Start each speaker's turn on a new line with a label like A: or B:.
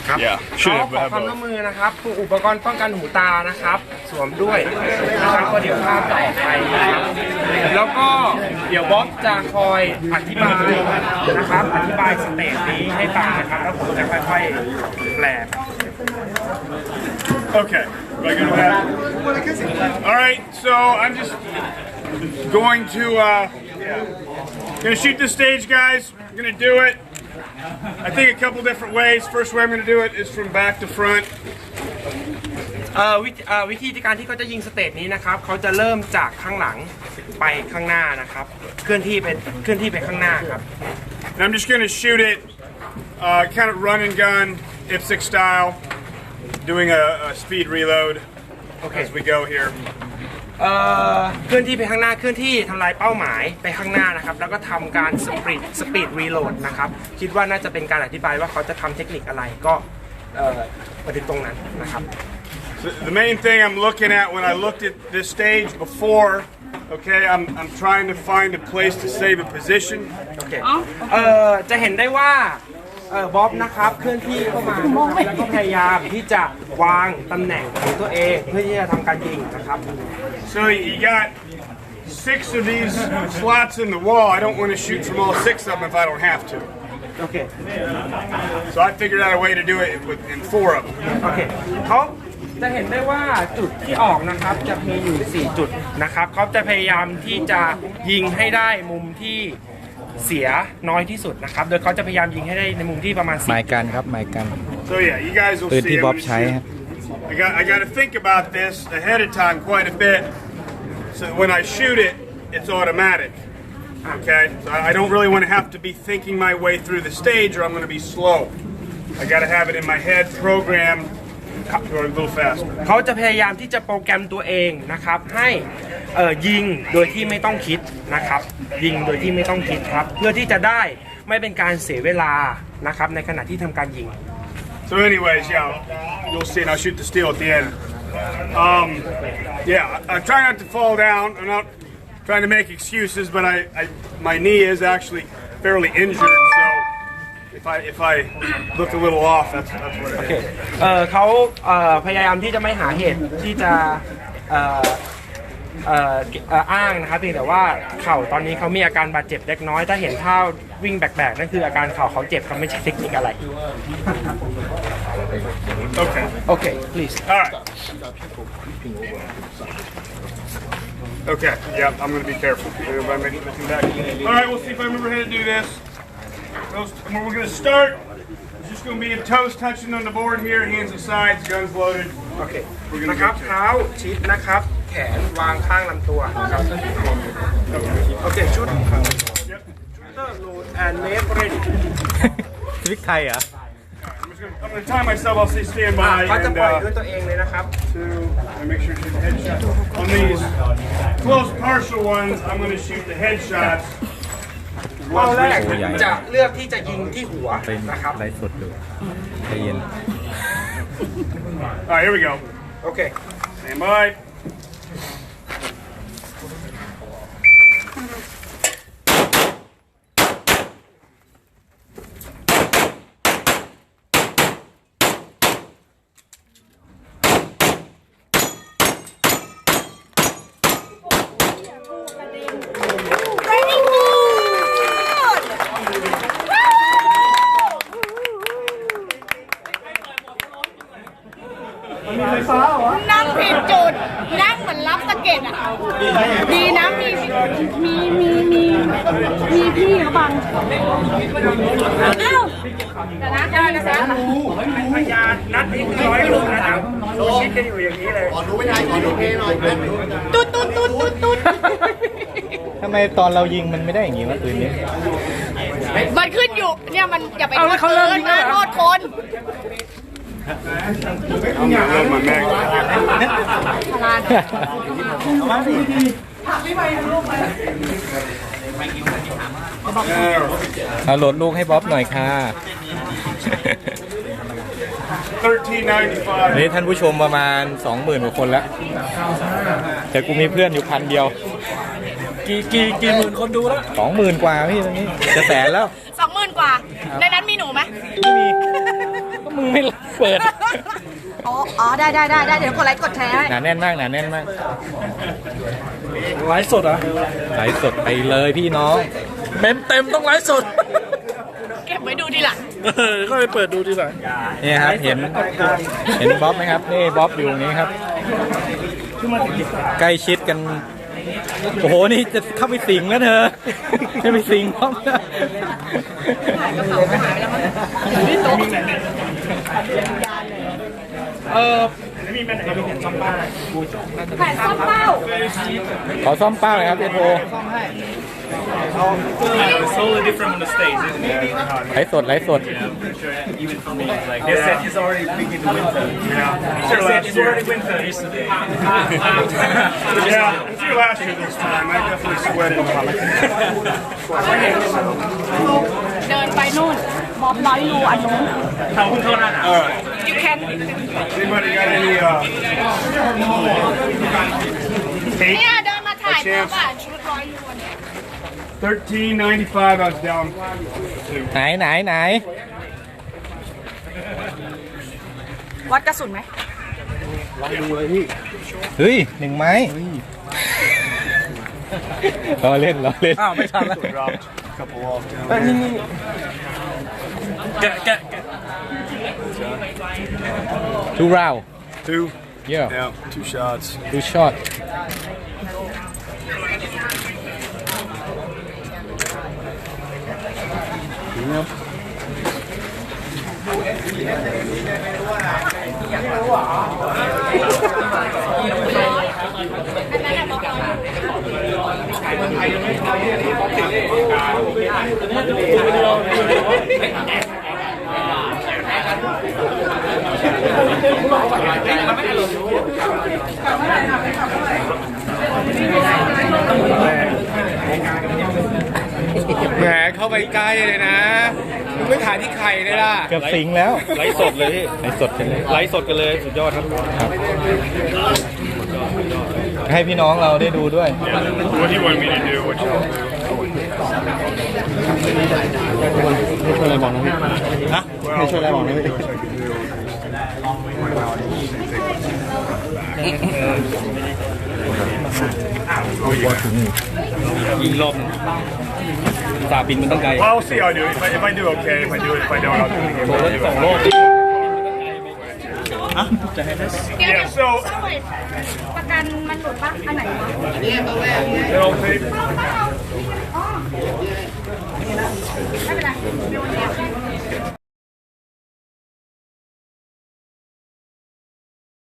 A: ครับ
B: should
A: ข
B: have,
A: อ
B: but
A: ความ
B: have
A: ร่วม
B: both.
A: มือนะครับพวกอุปกรณ์ป้องกันหูตานะครับสวมด้วยนะครับก็เดี๋ยวภาพจะออกไปนะครับแล้วก็เดี๋ยวบ๊อบจะคอยอธิบายนะครับอธิบายสเตจนี้ให้ฟังนะครับแล้วผมจะค่อยๆแปล
B: Okay. Am I good with that? All right. So I'm just going to gonna shoot the stage, guys. I'm gonna do it. I think a couple different ways. First way I'm gonna do it is from back to front.
A: วิธีการที่เขาจะยิงสเตจนี้นะครับเขาจะเริ่มจากข้างหลังไปข้างหน้านะครับเคลื่อนที่ไปข้างหน้าครับ
B: And I'm just gonna shoot it, kind of run and gun, IPSC style, doing a speed reload as we go here.
A: เคลื่อนที่ไปข้างหน้าเคลื่อนที่ทำลายเป้าหมายไปข้างหน้านะครับแล้วก็ทำการสปีดรีโหลดนะครับคิดว่าน่าจะเป็นการอธิบายว่าเขาจะทำเทคนิคอะไรก็มาถึงตรงนั้นนะครับ
B: The main thing I'm looking at when I looked at this stage before, okay, I'm trying to find a place to save a position.
A: โอเคจะเห็นได้ว่าบ๊อบนะครับเคลื่อนที่เข้ามาแล้วก็พยายามที่จะวางตำแหน่งของตัวเองเพื่อที่จะทำการยิงนะครับ
B: So you got 6 of these slots in the wall. I don't want to shoot from all 6 of them if I don't have to.
A: โอเค
B: So I figured out a way to do it in 4 of them.
A: โอเคเขาจะเห็นได้ว่าจุดที่ออกนะครับจะมีอยู่4จุดนะครับเขาจะพยายามที่จะยิงให้ได้มุมที่เสียน้อยที่สุดนะครับโดยเขาจะพยายามยิงให้ได้ในมุมที่ประมาณ
C: หมายกันครับหมายกัน
B: So yeah, you guys will
C: ปืน
B: see.
C: ที่
B: I'm
C: บ๊อบ
B: gonna
C: ใช้
B: shoot.
C: ครับ
B: I got to think about this ahead of time quite a bit. So when I shoot it, it's automatic. Okay, so I don't really want to have to be thinking my way through the stage, or I'm going to be slow. I got to have it in my head, programmed, going a little faster.
A: เขาจะพยายามที่จะโปรแกรมตัวเองนะครับให้ยิงโดยที่ไม่ต้องคิดนะครับยิงโดยที่ไม่ต้องคิดครับเพื่อที่จะได้ไม่เป็นการเสียเวลานะครับในขณะที่ทำการยิง
B: So anyways, yeah, you'll see, and I'll shoot the steel at the end. Yeah, I'm trying not to fall down. I'm not trying to make excuses, but my knee is actually fairly injured, so if I look a little off, that's what it is.
A: เขาพยายามที่จะไม่หาเหตุที่จะอ้างนะครับเพียงแต่ว่าเข่าตอนนี้เขามีอาการบาดเจ็บเล็กน้อยถ้าเห็นท่าวิ่งแบกๆนั่นคืออาการเข่าเขาเจ็บเขาไม่ใช่เทคนิคอะไร
B: Okay.
A: โอเค please
B: All right. Okay. Yeah, I'm gonna be careful. Everybody make looking back. All right, we'll see if I remember how to do this. We're gonna start. It's just gonna be a toes touching on the board here, hands at sides, guns loaded.
A: โอเคนะครับเท้าชิดนะครับแขนวางข้างลำตัวนะครับโอเคชุด
B: Yep.
A: load and make ready
C: ทริกไทยเหรอ
B: I'm gonna time myself. I'll say stand by
A: เขาจะ
B: and
A: ปล่อยด้วยตัวเองเลยนะครับ
B: and make sure to shoot the headshot. On these close partial ones, I'm gonna shoot the headshots.
A: เป้าแรกจะเลือกที่จะยิงที่หัว
C: เป็น
A: นะครับ
C: ไลฟ์สดดูใจเย็น
B: All right, here we go.
A: โอเค
B: Stand by.
D: Very good นั่งผิดจุด นั่งเหมือนรับสะเก็ดอ่ะ ดีนะมีพี่เขาบังอ้าวแต่นะได้นะคะ
A: พยานนัดนี้คือ100 ลูกนะครับดูชิดกันอยู่อย่างนี้เลย
D: ตุ๊ดตุ๊ดตุ๊ดตุ๊ดตุ๊ด
C: ทำไมตอนเรายิงมันไม่ได้อย่างงี้วะปืนนี้
D: มันขึ้นอยู่เนี่ยมันอย่าไปโทษปืนนะโทษคน
B: I'm gonna load my mag.
D: พลาน
C: เอาโหลดลูกให้บ๊อบหน่อยค่ะ
B: 1395.
C: นี่ท่านผู้ชมประมาณ 20,000 กว่าคนแล้ว แต่กูมีเพื่อนอยู่1,000 เดียว
A: กี่หมื่นคนดูแล้ว
C: 20,000 กว่าพี่ตอนนี้จะแสนแล้ว
D: 20,000 กว่า ในนั้นมีหนูไหม
C: ไม่มีก็มึงไม่เปิด
D: อ๋อได้เดี๋ยวกดไลค์กดแชร์ให้
C: หนาแน่นมากหนาแน่นมาก
A: ไลฟ์สดเหรอ
C: ไลฟ์สดไปเลยพี่น้อง
A: เต็มต้องไลฟ์สด
D: เก็บไว้ดูทีหลัง
A: ก็ไปเปิดดูทีหลัง
C: นี่ครับเห็นบ๊อบไหมครับนี่บ๊อบอยู่ตรงนี้ครับ ใกล้ชิดกัน โอ้โหนี่จะเข้าไปสิงแล้วเธอจะไปสิงบ๊อบนะ
D: แผ่นซ่อมเป้า
C: ขอซ่อมเป้าหน่อยครับเอโท
E: It's totally different from the States, isn't it?
C: ไลฟ์สดไลฟ์สด
E: Even for me, it's like, they said it's already beginning to winter. Yeah. They said it's already winter yesterday.
B: Yeah, it's your last year this time. I definitely sweated.
D: เดินไปนู่นบอบร้อยรูอันนู้น
B: All right.
D: you can
B: Anybody got any
D: เนี่ย
B: tape?
D: เดินมาถ่ายบ๊อบอ่ะชุดร้อยรู
B: $13.95. I was down.
C: ไหน
D: วัดกระสุนไหม
C: เฮ้ยหนึ่งไม้รอเล่น
A: อ้าวไม่ทันแล้ว
B: Dropped a couple off down.
E: Get.
C: two round
B: Two.
C: yeah
B: Yeah, 2 shots.
C: two shot
A: แหมเข้าไปใกล้เลยนะมึงไม่ถ่ายที่ไข่เลยล่ะ
C: เกือบสิงแล้ว
E: ไลฟ์สดเลยพี่
C: ไลฟ์สดกันเลย
E: ไลฟ์สดกันเลยสุดยอดครับ
C: ให้พี่น้องเราได้ดูด้วย
B: What do you want me to do? What you want to do?
C: ไม่ช่วยอะไรบอกนะพี่
B: Well,
C: Hey, show that one, maybe.
B: what I can do.
E: ยิงรอบหนึงสาบินมันต้องไกล
B: Well, I'll see how I do. If I do, okay. If I do it, if I don't, I'll do it again.
E: สองรอบ
D: เดี๋ยว
B: Yeah, so
D: ประกันมันหลุดปะอันไหนวะ
B: it'll take
D: ไม่เป็นไร